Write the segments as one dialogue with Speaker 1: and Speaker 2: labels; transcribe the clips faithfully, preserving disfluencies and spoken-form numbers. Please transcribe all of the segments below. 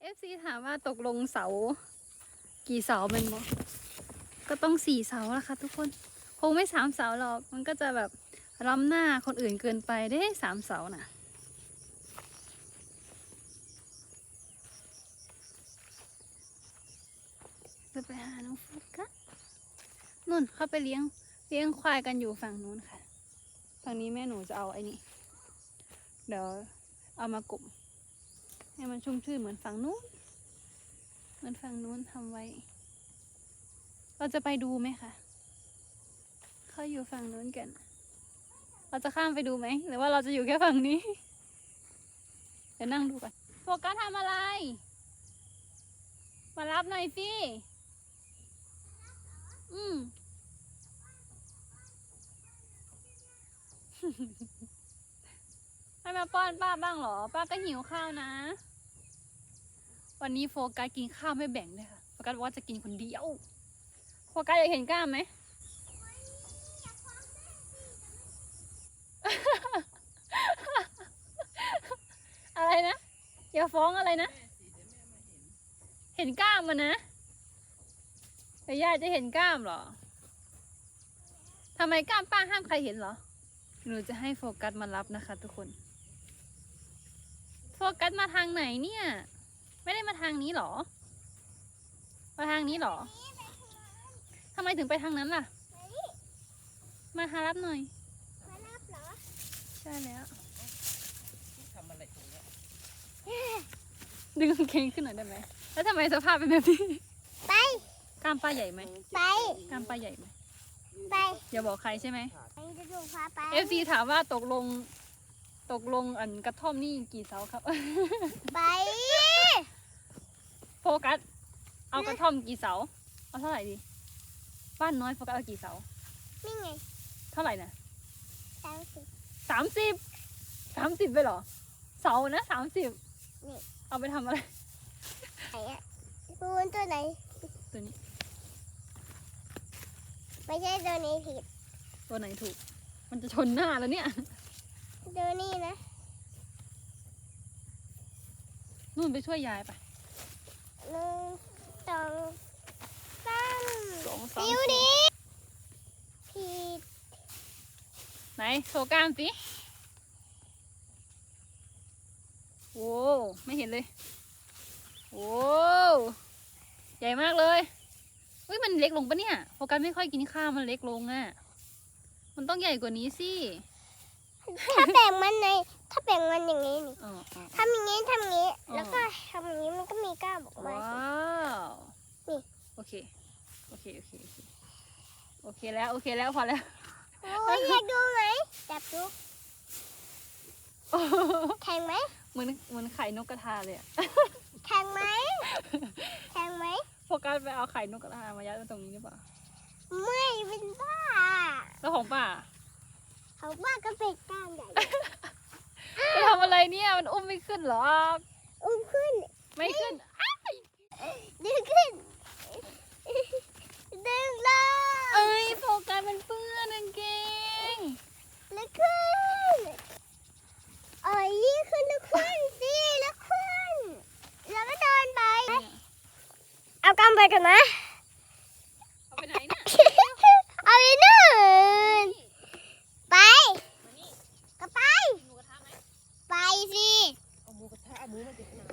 Speaker 1: เอฟซีถามว่าตกลงเสากี่เสาเป็นบ่ก็ต้องสี่เสาละค่ะทุกคนคงไม่สามเสาหรอกมันก็จะแบบล้ำหน้าคนอื่นเกินไปได้สามเสาน่ะจะไปหาน้องฟุกกันนู่นเข้าไปเลี้ยงเลี้ยงควายกันอยู่ฝั่งนู้นค่ะฝั่งนี้แม่หนูจะเอาไอ้นี่เดี๋ยวเอามากลุ่มให้มันชุ่มชื่นเหมือนฝั่งนู้นเหมือนฝั่งนู้นทำไว้เราจะไปดูไหมคะเขาอยู่ฝั่งนู้นกันเราจะข้ามไปดูไหมหรือว่าเราจะอยู่แค่ฝั่งนี้เดี๋ยวนั่งดูก่อนโฟกัสทำอะไร มารับหน่อยสิอืม ให้มาป้อนป้าบ้างเหรอ ป้าก็หิวข้าวนะ วันนี้โฟกัสกินข้าวไม่แบ่งเลยค่ะ โฟกัสบอกว่าจะกินคนเดียว โฟกัสอยากเห็นกล้ามไหม อะไรนะ อย่าฟ้องอะไรนะ เห็นกล้ามมันนะแต่ย่าจะเห็นกล้ามเหรอ ทำไมกล้ามป้าห้ามใครเห็นเหรอ หนูจะให้โฟกัสมารับนะคะทุกคน โฟกัสมาทางไหนเนี่ย ไม่ได้มาทางนี้หรอ มาทางนี้หรอ ทำไมถึงไปทางนั้นล่ะ มาหารับหน่อย
Speaker 2: มารับเหรอ
Speaker 1: ใช่แล้ว
Speaker 3: ทำอะไรตรงนี้
Speaker 1: ดึงกางเกงขึ้นหน่อยได้ไหม แล้วทำไมสภาพเป็นแบบนี้
Speaker 2: ไป
Speaker 1: กล้ามป้าใหญ่ไหม
Speaker 2: ไป
Speaker 1: กล้ามป้าใหญ่ไหม
Speaker 2: ไป
Speaker 1: อย่าบอกใครใช่ไหม
Speaker 2: ไปจะดูพาไป
Speaker 1: เอฟซีถามว่าตกลง ตกลงอันกระท่อมนี่กี่เสาครับ
Speaker 2: ไป
Speaker 1: โฟกัส เอากระท่อมกี่เสา เอาเท่าไหร่ดี บ้านน้อยโฟกัสเอากี่เสา
Speaker 2: นี่ไง
Speaker 1: เท่าไหร่นะ
Speaker 2: สามสิบ
Speaker 1: สามสิบ สามสิบไปเหรอ เสานะสามสิบ
Speaker 2: นี่
Speaker 1: เอาไปทำอะไร
Speaker 2: ไหนอะดูตัวไหน
Speaker 1: ตัวนี้
Speaker 2: ไม่ใช่ตัวนี้ผิด
Speaker 1: ตัวไหนถูก มันจะชนหน้าแล้วเนี่ย
Speaker 2: ตัวนี้นะ
Speaker 1: นู่นไปช่วยยายไป
Speaker 2: หนึ่งสองสาม
Speaker 1: สองสาม
Speaker 2: นิ้ว
Speaker 1: สี่
Speaker 2: ดีผิด
Speaker 1: ไหนโชว์กล้ามสิโอ้ไม่เห็นเลย โอ้ใหญ่มากเลยเฮ้ยมันเล็กลงปะเนี่ยโฟกัสไม่ค่อยกินข้าวมันเล็กลงอ่ะ มันต้องใหญ่กว่านี้สิ
Speaker 2: ถ้าแบ่งมันในถ้าแบ่งมันอย่างนี้นี่
Speaker 1: อ๋ออ๋อ
Speaker 2: ทำอย่างนี้ทำอย่างนี้
Speaker 1: อ๋อ
Speaker 2: แล้วก็ทำอย่างนี้มันก็มีกล้ามออกมา
Speaker 1: ว้า
Speaker 2: สิ
Speaker 1: ว โอเค โอเค โอเค โอเค โอเคแล้ว โอเคแล้วพอแล้ว
Speaker 2: โอ้ยอยากดูไหมจับดูแข็งไหม
Speaker 1: เหมือนเหมือนไข่นกกระทาเลยอะ
Speaker 2: แข็งไหมแข็งไหม
Speaker 1: โฟกัสไปเอาไข่นกกระทามายัดไว้ตรงนี้หรือเปล่า
Speaker 2: ไม่เป็นบ้า
Speaker 1: แล้วของป้า
Speaker 2: เขาบ้าก็เป็นกล้ามใหญ่
Speaker 1: จะทำอะไรเนี่ย มันอุ้มไม่ขึ้นหรอก
Speaker 2: อุ้มขึ้น
Speaker 1: ไม่ขึ้น
Speaker 2: ดึงขึ้น ดึงลง
Speaker 1: เอ้ยโฟกัสมันเปื้อนกางเกง
Speaker 2: แล้วขึ้นเอ้ยยิ่งขึ้นแล้วขึ้นสิแล้วขึ้น แล้วก็เดินไป เอากำไปกันนะ
Speaker 1: เอาไปไหนเนี่ย
Speaker 2: เอาไปนู่นไป
Speaker 1: มานี่
Speaker 2: ก็ไป
Speaker 1: กินหมูกระทะไหม
Speaker 2: ไปสิ
Speaker 3: เอาหมูกระทะเอาหมูมาจากไหน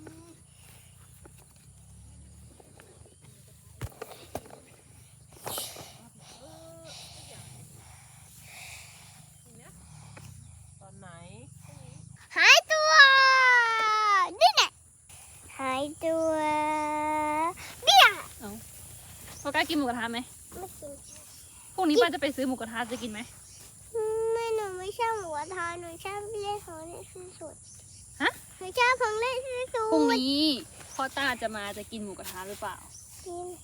Speaker 3: ตอนไหน
Speaker 2: หายตัวนี่แหละหายตัวเบี้ย
Speaker 1: โฟกัสกินหมูกระทะไหม
Speaker 2: ไม่กิน
Speaker 1: พรุ่งนี้ป้าจะไปซื้อหมูกระทะจะกินไหม
Speaker 2: ไม่หนูไม่ชอบหมูกระทะหนูชอบเล่นของเล่นที่สุด
Speaker 1: ฮะ
Speaker 2: หนูชอบของเล่นที่สุด
Speaker 1: พรุ่งนี้พ่อต้าจะมาจะกินหมูกระทะหรือเปล่า
Speaker 2: กิน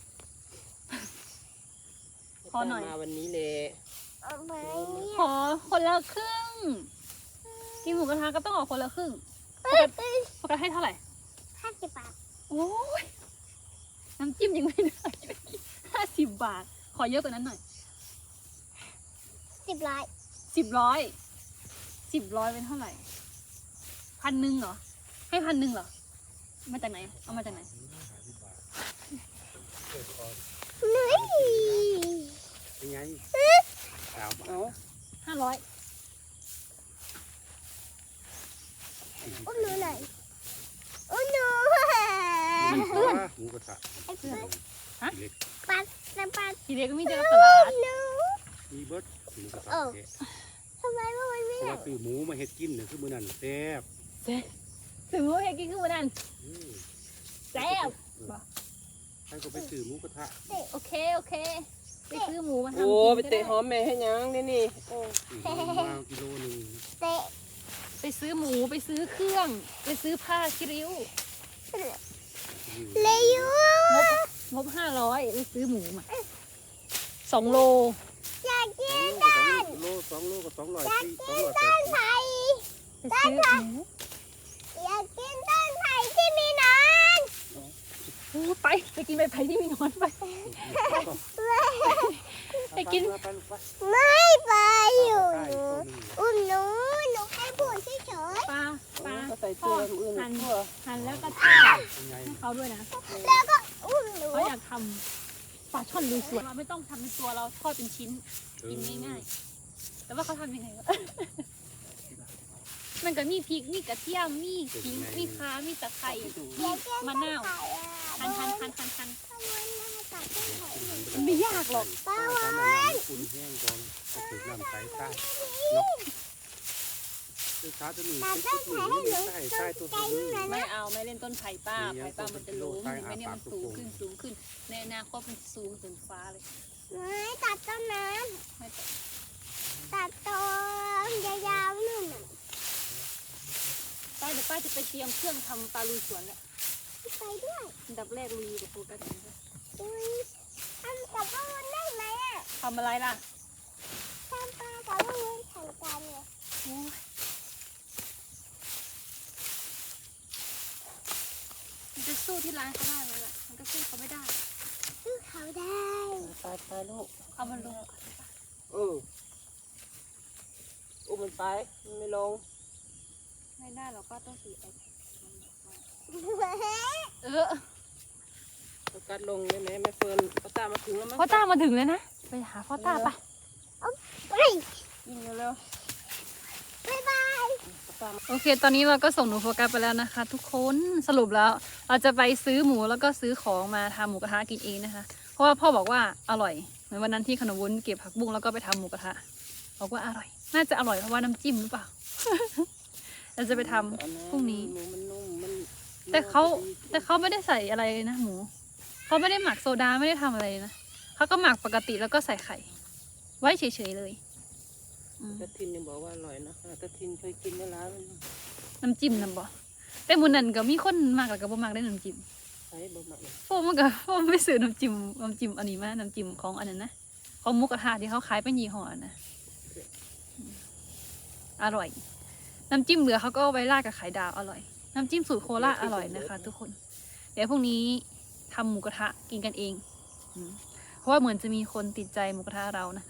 Speaker 1: ขอหน่อย
Speaker 3: มาวันนี้เลย
Speaker 2: เอาไปเนี่ย
Speaker 1: ขอคนละครึ่ง กินหมูกระทะก็ต้องออกคนละครึ่ง โฟกัสโฟกัสให้เท่าไหร่
Speaker 2: ห้าสิบบาท
Speaker 1: โอ้ยน้ำจิ้มยังไม่ได้ห้าสิบบาท ขอเยอะกว่านั้นหน่อย
Speaker 2: สิบร้อย
Speaker 1: สิบร้อย สิบร้อยเป็นเท่าไหร่ พันหนึ่งเหรอ ให้พันหนึ่งเหรอมาจากไหนเอามาจากไหน
Speaker 2: นี่
Speaker 4: เป็นไงสาว
Speaker 3: เอา
Speaker 1: ห้าร้อย
Speaker 2: อุ้มหนูหน่อยอุ้มหนู
Speaker 4: มันเพื่อนหมูกระทะ
Speaker 2: ไอ้เพื่อน
Speaker 4: เล็ก
Speaker 2: ปัดปัดปัด
Speaker 1: ทีเด็กก็มีแต่ตลาด
Speaker 2: หนู
Speaker 4: มีเบิร์ดหมูกระทะ
Speaker 2: เออ
Speaker 4: แท้
Speaker 2: ทำไมว่ามันไม่
Speaker 4: เพราะ
Speaker 2: ได้
Speaker 4: ว่าซื้อหมูมาเฮ็ดกินเนี่ยคือมื้อนั้นแซ่บ
Speaker 1: ถึงว่าเพกินขึ้นมานั่น
Speaker 4: อืม
Speaker 1: แซ่บ
Speaker 4: ท่านก็ไปซื้อหมูกระทะ
Speaker 1: โอเคโอเคไปซื้อหมูมาทำ
Speaker 3: โอ้
Speaker 1: กิน
Speaker 3: ไป
Speaker 1: ก็
Speaker 3: เตะ
Speaker 1: ได้
Speaker 3: หอมแม่ให้ยังนี่นี่โอ้
Speaker 4: ซื้อหมูมากิโลหนึง
Speaker 2: เตะ
Speaker 1: ไปซื้อหมูไปซื้อเครื่อง ไปซื้อผ้าคิริ้ว
Speaker 2: เลยยู
Speaker 1: งบงบห้าร้อยไปซื้อหมูมาสองโล
Speaker 2: อยากกิน
Speaker 4: โลสองโลก็สองร้อย
Speaker 2: อยาก
Speaker 4: สี่ส
Speaker 2: กิ
Speaker 4: อง
Speaker 2: น
Speaker 4: ร้อยแป
Speaker 2: ต้
Speaker 4: ด
Speaker 2: น
Speaker 4: สิบ
Speaker 2: ไผ่
Speaker 1: ไปซื้อหมู
Speaker 2: อยากกินต้นไผ่ที่มีหนอน
Speaker 1: โอ้ไปไปกินใบไผ่ที่มีหนอนไป ไปกิน
Speaker 4: ไปไปไป
Speaker 2: ไม่ไปอยู่
Speaker 4: ใกล้
Speaker 2: หนู
Speaker 4: ต้นหนึ่ง
Speaker 2: อุ้มหนูหนูแค่พูดเฉย
Speaker 1: ปลาปลา
Speaker 3: ก็ใส่เสื้อมือ
Speaker 1: หั่น
Speaker 3: ทั่ว
Speaker 1: หั่นแล้วก็ทอด
Speaker 4: เป็นไง
Speaker 1: ให้เขาด้วยนะ
Speaker 2: ๆแล้วก็อุ้มหนู
Speaker 1: เขาอยากทำปลาช่อนลุยสวนเราไม่ต้องทำเป็นตัวเราทอดเป็นชิ้น กินง่ายๆ แต่ว่าเขาทำยังไงวะ มันก็มีพริก มีกระเทียม มีขิง มีข่ามีตะไคร้
Speaker 2: อยากกิน
Speaker 1: มะนาว
Speaker 2: ต้ไผ่อะ
Speaker 1: หั่นหั่นหั่นหั่นหั่น
Speaker 2: ป้าวันนะคะตัดต้นไผ่หนู
Speaker 1: มันไม่ยากหรอก
Speaker 2: ป้า
Speaker 4: ใต้
Speaker 2: วัน
Speaker 4: ตอนนั้นน้ำอุ่นแห้งก่อนก็ถึงน้ำใสใต้เนาะคือขาจะมี
Speaker 2: ตัด
Speaker 4: เป็น
Speaker 2: ต้
Speaker 4: ชุ
Speaker 2: น
Speaker 4: ดห
Speaker 2: ไผ่
Speaker 4: นึ่ง
Speaker 2: ให้หนู
Speaker 4: ไม่ใช่ใต้ตัว
Speaker 2: ไกล
Speaker 4: นี้
Speaker 2: นู่น
Speaker 1: ไม่
Speaker 2: นะ
Speaker 1: เอาไม่เล่นต้นไผ่ป้า
Speaker 4: เลี้ยง
Speaker 1: ไผ่ป้ามันจะล้ม
Speaker 4: ต้นไผ่
Speaker 1: ไม่เนี่ยมัน
Speaker 4: อาปาก
Speaker 1: สูง
Speaker 4: กระโปรง
Speaker 1: ขึ้นสูงขึ้น ในอนาคตมันสูงถึงฟ้าเลย
Speaker 2: ไม่ตัดต้นนั้น
Speaker 1: ไม่ต้อง
Speaker 2: ตัดต้นยาวๆนู่นน่ะ
Speaker 1: ป้าเดี๋ยวป้าจะไปเตรียมเครื่องทำปลาลุยสวนแล้ว
Speaker 2: ไปด้วย
Speaker 1: อันดับแรกลุยกับโฟกัสก่อนนะ
Speaker 2: อุ้ยทำกับป้าวันได้ไหมอ่ะ
Speaker 1: ทำอะไรล่ะ
Speaker 2: ทำปลากับป้าวันแข่งกันเนี่ย
Speaker 1: โอ้ยมันจะสู้ที่ร้านเขาได้ไหมล่ะ มันก็สู้เขาไม่ได้
Speaker 2: สู้เขาได้
Speaker 3: ตายตายลูก
Speaker 1: เอามันลง
Speaker 3: เอออุ้มมันไปมันไม่ลง
Speaker 1: ไม่ได้หรอกก็ต้องสีไอแพด
Speaker 2: เฮ้ย
Speaker 1: เออ
Speaker 3: โฟกัสลงได้ไหมแม่เฟิร์นเขาตามมาถึงแล้วมั้ง
Speaker 1: พ่อต้ามาถึงเลยนะ ไปหาพ่อต้าไป
Speaker 2: ไป
Speaker 3: ยิงเร็ว
Speaker 2: บ๊ายบาย
Speaker 3: ๆเขาตามมา
Speaker 1: โอเค ตอนนี้เราก็ส่งหนูโฟกัสไปแล้วนะคะ ทุกคน สรุปแล้ว เราจะไปซื้อหมูแล้วก็ซื้อของมาทำหมูกระทะกินเองนะคะ เพราะว่าพ่อบอกว่าอร่อย เหมือนวันนั้นที่ขนมวุ้นเก็บผักบุ้งแล้วก็ไปทำหมูกระทะ บอกว่าอร่อย น่าจะอร่อยเพราะว่าน้ำจิ้มหรือเปล่า เราจะไปทำพรุ่งนี้
Speaker 3: หมูมันนุ่มมัน
Speaker 1: แต่เขาแต่เขาไม่ได้ใส่อะไรเลยนะหมู เขาไม่ได้หมักโซดาไม่ได้ทำอะไรเลยนะเขาก็หมักปกติแล้วก็ใส่ไข่ ไว้เฉยๆเลยอืม
Speaker 3: ตะทินยังบอกว่าอร่อยนะคะตะทินเคยกินในร้านมัน
Speaker 1: น้ำจิ้มนำบ่แต่หมูนั่นก็มีคนมากแล้วก็บ่มากได้น้ำจิ้ม
Speaker 3: ใช้บ่หมักเลย
Speaker 1: พวกมันก็พวกมันไม่ซื้อน้ำจิ้มน้ำจิ้มอันนี้มาน้ำจิ้มของอันนั้นนะของหมุกกระทะที่เขาขายเป็นยี่ห้อนะอืมอร่อย น้ำจิ้มเหลือเขาก็เอาไว้ราดกับไข่ดาวอร่อย น้ำจิ้มสูตรโคราชอร่อยนะคะ ทุกคน เดี๋ยวพรุ่งนี้ทำหมูกระทะกินกันเองอืมเพราะว่าเหมือนจะมีคนติดใจหมูกระทะเรานะคะ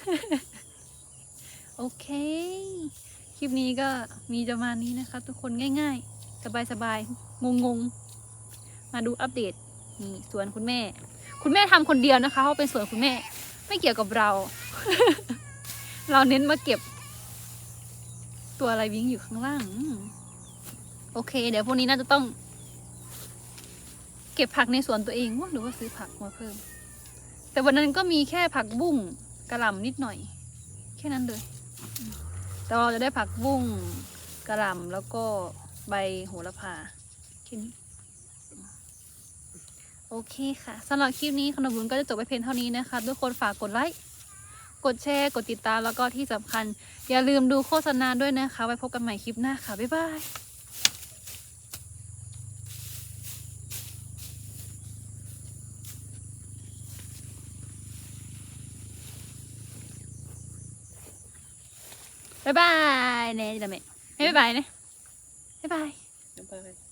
Speaker 1: โอเค คลิปนี้ก็มีประมาณนี้นะคะ ทุกคนง่ายๆ สบายๆ งงๆ มาดูอัปเดตนี่สวนคุณแม่ คุณแม่ทำคนเดียวนะคะเพราะเป็นสวนคุณแม่ ไม่เกี่ยวกับเรา เราเน้นมาเก็บ ตัวอะไรวิ่งอยู่ข้างล่างอืมโอเค เดี๋ยวพวกนี้น่าจะต้อง เก็บผักในสวนตัวเองว่าหรือว่าซื้อผักมาเพิ่ม แต่วันนั้นก็มีแค่ผักบุ้งกระหล่ำนิดหน่อย แค่นั้นเลยอืมแต่เราจะได้ผักบุ้งกระหล่ำแล้วก็ใบโหระพาแค่นี้ โอเคค่ะสำหรับคลิปนี้ขนมบุญก็จะจบไปเพียงเท่านี้นะคะทุกคนฝากกดไลค์กดแชร์กดติดตามแล้วก็ที่สำคัญ อย่าลืมดูโฆษณาด้วยนะคะ ไว้พบกันใหม่คลิปหน้าค่ะ บ๊ายบายบ๊ายบายเน่จะไม่ไม่บ๊ายบายนะบ๊ายบาย
Speaker 3: น้ำปลา